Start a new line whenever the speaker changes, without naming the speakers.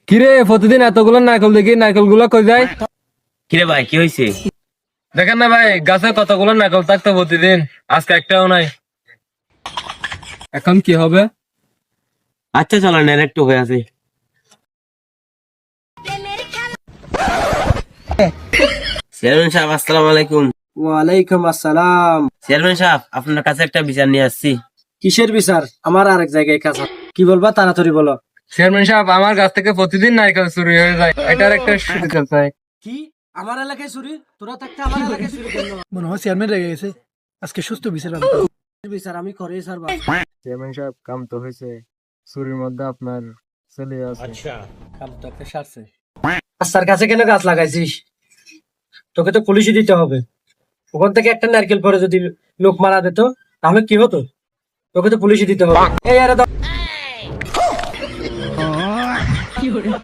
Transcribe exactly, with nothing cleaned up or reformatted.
কিরে প্রতিদিন এতগুলো নারকেল দেখি নারকেল গুলো কই যায়?
কিরে ভাই কি হয়েছে?
দেখেন না ভাই গাছে কতগুলো নারকেল থাকতো প্রতিদিন, আজকে একটাও নাই। এখন কি হবে?
আচ্ছা চলো না একটু হয়ে আছে। চেয়ারম্যান সাহেব আসসালামু আলাইকুম।
ওয়ালাইকুম আসসালাম।
চেয়ারম্যান সাহেব আপনার কাছে একটা বিচার নিয়ে আসছি।
কিসের বিচার? আমার আরেক জায়গায় কাজ আছে। কি বলবা তাড়াতাড়ি বলো।
চেয়ারম্যান সাহেব আমার গাছ থেকে প্রতিদিন নারকেল চুরি হয়ে যায়, এটার একটা সুবিধা চাই।
কি আমার এলাকায় চুরি? তোরা থাকতে আমার এলাকায় চুরি কেন?
মনে হয় চেয়ারম্যান রেগে গেছে, আজকে সুস্থ বিচার পাবে।
বিচার আমি করে ছাড়বা।
চেয়ারম্যান সাহেব কাম তো হয়েছে, চুরির মধ্যে আপনার ছেলে আছে।
কাম তো একটা সারছে। রাস্তার কাছে কেন গাছ লাগাইছিস? তোকে তো পুলিশে দিতে হবে। ওখান থেকে একটা নারকেল পরে যদি লোক মারা দিত তাহলে কি হতো? তোকে তো পুলিশে দিতে হবে। এই আরে দাও।